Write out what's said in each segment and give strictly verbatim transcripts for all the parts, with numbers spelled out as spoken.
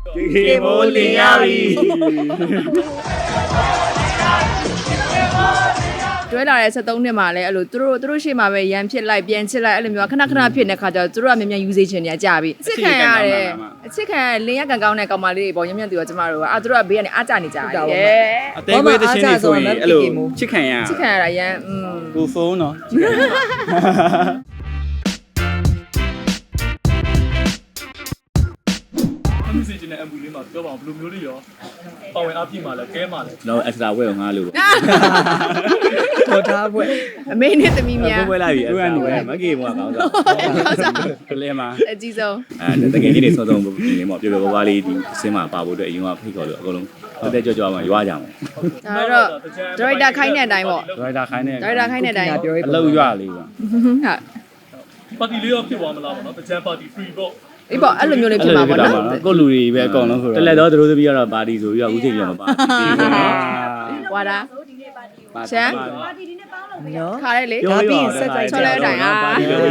ကေမိုးလင်ရပြီတွဲလာတဲ့ဆက်သုံးနှစ်မှာလည်းအဲ့လိုသူတို့သူတို့ရှေ့မှာပဲရန်ဖြစ်လိုက်ပြန်ချစ်လိုက်အဲ့လိုမျိုးခဏခဏဖြစ်နေတဲ့ခါကျတော့သူတို့ကမြန်မြန် usage ချင်နေကြပြီအချစ်ခံရတယ်အချစ်ခံရလင်းရကန်ကောင်းတဲ့ကောင်မလေးတွေပေါ့မြန်မြန်တူတော့ကျမတို့ကအာသူတို့ကဘေးကနေအားကြနေကြတယ်အသေးခွေးတချင်းတွေဆိုရင်အဲ့လိုချစ်ခံရချစ်ခံရတာရန်อืมကိုဖုန်းနော်အမှုစီချင်းတဲ့အမှုလေးမှာပြောပါအောင်ဘယ်လိုမျိုးလေးရောပါဝင်အားပြည့်မှာလဲကဲမှာလဲတော့ extra ဝဲကိုငါလို့ထော်ထားပွဲအမေနဲ့သမီးများပွဲလိုက်ပြီ extra ဝဲမကေဘောကောင်းစားကလေးမှာအကြီးဆုံးအဲတကယ်ကြီးနေဆုံးဆုံးဒီလေးပေါ့ပြပြပွားလေးဒီအစင်းမှာပါဖို့အတွက်အရင်ကဖိတ်ခေါ်လို့အကုန်လုံးတက်တက်ကြွကြွမှာရွာကြမှာဒါတော့ director ခိုင်းတဲ့အတိုင်းပေါ့ director ခိုင်းတဲ့ director ခိုင်းတဲ့အတိုင်းအလုပ်ရွာလေးပေါ့ဟုတ်ပါတီလေးရောဖြစ်သွားမလားပေါ့နော်တကြံပါတီ free ပေါ့အေးပေါ့အဲ့လိုမျိုးလေးဖြစ်မှာပေါ့နော်ကိုလူတွေပဲအကုန်လုံးဆိုတော့တလက်တော့သူတို့သမီးကတော့ပါတီဆိုပြီးတော့ဦးချိန်ပြန်မပါဝါတာရှမ်းပါတီဒီနေ့ပေါင်းလို့ပြရခါရဲလေဒါပြီးဆက်ကြိုက်ချော်လဲအတိုင်းအားဟုတ်ကဲ့အဲ့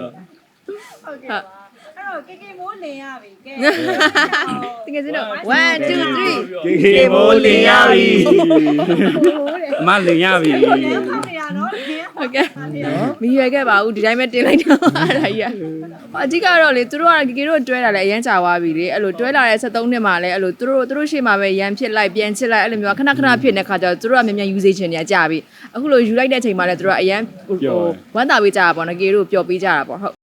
တော့ကေကေမိုးလင်ရပြီကဲတကယ်စတော့one two three ကေမိုးလင်ရပြီအမလင်ရပြီဟုတ်နေရနော်ဟုတ်ကဲ့မရွယ်ခဲ့ပါဘူးဒီတိုင်းပဲတင်လိုက်တာအဲ့ဒါကြီးအအဓိကတော့လေသူတို့ကကေကေတို့တွဲတာလည်းအရန်ကြာသွားပြီလေအဲ့လိုတွဲလာတဲ့ဆက်သုံးနှစ်မှာလည်းအဲ့လိုသူတို့သူတို့ရှေ့မှာပဲရန်ဖြစ်လိုက်ပြန်ချစ်လိုက်အဲ့လိုမျိုးခဏခဏဖြစ်နေတဲ့ခါကျတော့သူတို့ကမြန်မြန် usage ချင်နေကြပြီအခုလိုယူလိုက်တဲ့အချိန်မှာလည်းသူတို့ကအရန်ဟိုဝမ်းသာပေးကြတာပေါ့နော်ကေတို့ပျော်ပေးကြတာပေါ့ဟုတ်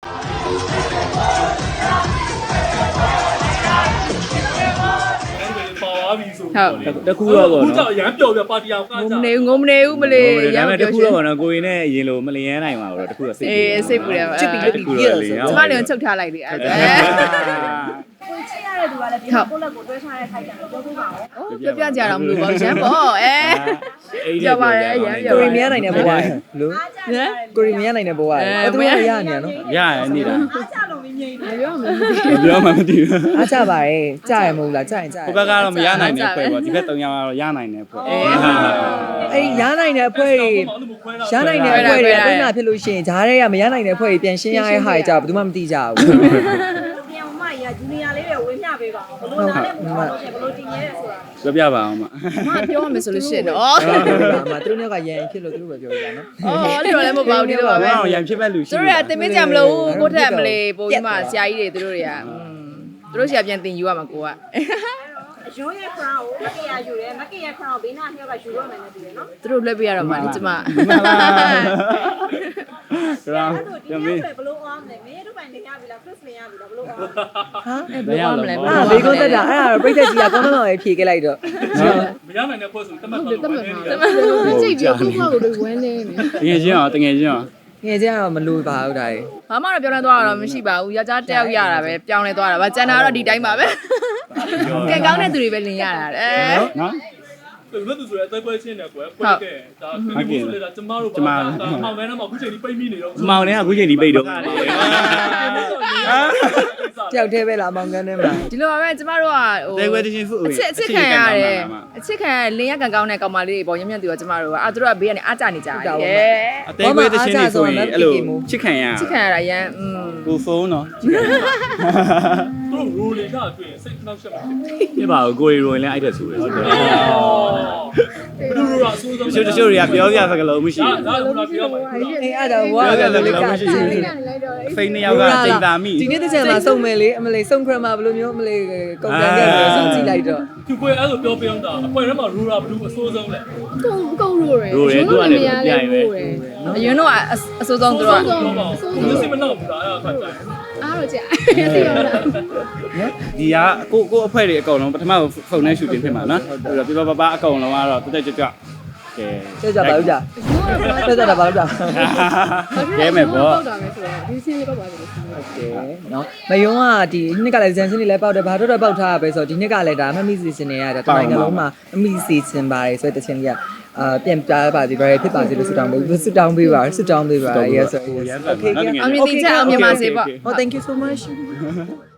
တခုတော့ပေါ့နော်ခုကြောင့်ရမ်းပျော်ပြပါတီအောင်ကကြငုံမနေဘူးငုံမနေဘူးမလေးရမ်းပျော်တခုတော့ပေါ့နော်ကိုရင်နဲ့အရင်လိုမလျန်းနိုင်ပါဘူးတော့တခုတော့စိတ်အေးစိတ်ပူတယ်ချစ်ပြီးလို့ပြီးရဆိုကျမလည်းချုပ်ထားလိုက်တယ်အဲ့ဒါကိုချစ်ရတဲ့သူကလည်းဒီကိုလက်ကိုတွဲထားတဲ့ခိုက်တယ်ပြောပြပါဦးပြောပြကြတော့မလို့ပါရမ်းပေါ့အဲပြောပါတယ်ရမ်းပြောကိုရီမရနိုင်တဲ့ဘဝလို့ကိုရီမရနိုင်တဲ့ဘဝအဲ့သူရရနေရနော်ရရနေတာအားကြလို့မငြိမ်ဘူးပြောမှမသိပြောမှမသိဘူးအားကြပါရဲ့ကြားရမဟုတ်လားကြားရင်ကြားဟိုဘက်ကတော့မရနိုင်တဲ့ဖွဲ့ပေါ့ဒီဘက်သုံးယောက်ကတော့ရနိုင်တဲ့ဖွဲ့အဲ့ရနိုင်တဲ့ဖွဲ့တွေရနိုင်တဲ့ဖွဲ့တွေအတွင်းမှာဖြစ်လို့ရှိရင်ဂျားတွေကမရနိုင်တဲ့ဖွဲ့တွေပြန်ရှင်းရတဲ့ဟာကြဘယ်သူမှမသိကြဘူးပြန်မမရဂျူနီယာလေးတွေဝေမျှပေးပါဦးဘလို့နားနဲ့ဘလို့တင်ရဲဆိုတာပြောပြပါအောင်မမပြောမှဆိုလို့ရှိရင်တော့မသူတို့ကရန်ဖြစ်လို့သူတို့ပဲပြောကြနော်အော်အဲ့လိုလည်းမဟုတ်ပါဘူးဒီလိုပါပဲရန်ဖြစ်မဲ့လူရှိသူတို့ကတင်မကြမလို့ကိုထက်မလေးပိုပြီးမှဆရာကြီးတွေသူတို့တွေကသူတို့ဆရာပြန်တင်ယူရမှာကိုကရိုးရဲ့ crown ကိုမကရယူတယ်မကရ crown ဘေးနားနှစ်ယောက်ကယူတော့မယ်နဲ့တူတယ်နော်သူတို့လက်ပြရတော့မှလေကျမမှန်လားကျမဘယ်လိုအောင်လဲမင်းတို့ပိုင်နေရပြီလား Chris နေရပြီလားဘယ်လိုအောင်ဟာဘယ်လိုအောင်လဲအာဘေးကုန်းတက်တာအဲ့ဒါပြိတ္တကြီးကကောင်းကောင်းပဲဖြေခဲ့လိုက်တော့မရနိုင်တဲ့ဖွဲ့ဆိုတတ်မှတ်တော့တတ်မှတ်တတ်မှတ်လို့ကြည့်ပြီးခုခောက်ကိုဝမ်းနေတကယ်ချင်းအောင်တကယ်ချင်းအောင်ငယ်ချင်းကတော့မလို့ပါဘူးဒါကြီးဘာမှတော့ပြောင်းလဲသွားတာတော့မရှိပါဘူးယောက်ျားတယောက်ရတာပဲပြောင်းလဲသွားတာပါကျန်တာတော့ဒီတိုင်းပါပဲကဲကောင်းတဲ့သူတွေပဲလင်ရတာတဲ့နော်ဘယ်လိုသူဆိုရဲအသေးပွဲချင်းတယ်ကွယ်ဖွဲ့ခဲ့ဒါခင်ဗျားဆိုလေဒါကျမတို့ဘာမှမောင်ထဲမှာအခုချိန်ဒီပိတ်မိနေတော့မောင်ထဲကအခုချိန်ဒီပိတ်တော့တယောက်တည်းပဲလားမောင်ကန်းထဲမှာဒီလိုပါပဲကျမတို့ကဟိုတဲခွဲတချင်းဖူအချစ်အချစ်ခံရတယ်အချစ်ခံလင်းရကန်ကောင်းတဲ့ကောင်မလေးတွေပေါ့ရမြန်တူတော့ကျမတို့ကအာသူတို့ကဘေးကနေအားကြနေကြတယ်အတဲခွဲတချင်းတွေဆိုရင်အဲ့လိုချစ်ခံရချစ်ခံရတာရန်อืมကိုဖုန်းနော်သူတို့ rule တွေကအတွင်းစိတ်နှောက်ရှက်မှာဖြစ်ပါဘူးကိုရီရိုရင်လည်းအဲ့ဒါဆိုတယ်ဟုတ်တယ်ဘယ်လိုလဲအဆိုးဆုံးတချို့တချို့တွေကပြောပြစကားလုံးမရှိဘူးဒါကပြောမှာအေးအဲ့ဒါဝါကလည်းကမရှိဘူးဖိနေယောက်ကချိန်တာမိဒီနေ့တစ်ချက်မှာစုံမယ်လေအမလေးစုံခရမှာဘယ်လိုမျိုးအမလေးကုန်ကန်ခဲ့ပြီးစုံကြည့်လိုက်တော့သူကိုအဲ့လိုပြောပြအောင်တာအခွင့်ထဲမှာ rule ဘယ်လိုအဆိုးဆုံးလဲကုန်းကုန်းရိုးရယ်ရိုးရယ်သူကလည်းပြိုင်ပဲအရင်တော့အဆိုးဆုံးသူတို့ကသူစိတ်မနှောက်ဘူးလားအဲ့ဒါခါကြတယ်အားတော့ကြာသိရောလားဒီကကိုကိုအဖွဲတွေအကုန်လုံးပထမဖုန်းနဲ့ရှူတင်ဖြစ်မှာနော်ပြီးတော့ပြပပအကုန်လုံးကတော့တက်တက်ကြွကြွကဲကြွကြပါဦးကြာကြွကြတာပါဦးကြာကဲမယ်ပေါ့ပေါက်တာပဲဆိုတော့ဒီစီးလေးပေါက်ပါလို့โอเคเนาะမယုံကဒီနှစ်ကလည်းဇန်စင်းလေးလည်းပေါက်တယ်ဘာတော့တော့ပေါက်ထားရပဲဆိုတော့ဒီနှစ်ကလည်းဒါမမီစီစင်နေရတာတိုင်းကလုံးမှာအမီစီစင်ပါတယ်ဆိုတဲ့တခြင်းလေးကအာပြန်ပြပါစီပါရဖြစ်ပါစေလို့ဆုတောင်းပေးဆုတောင်းပေးပါဆုတောင်းပေးပါ yes yes okay အမြင်တင်ချက်အောင်မြင်ပါစေပေါ့ oh thank you so much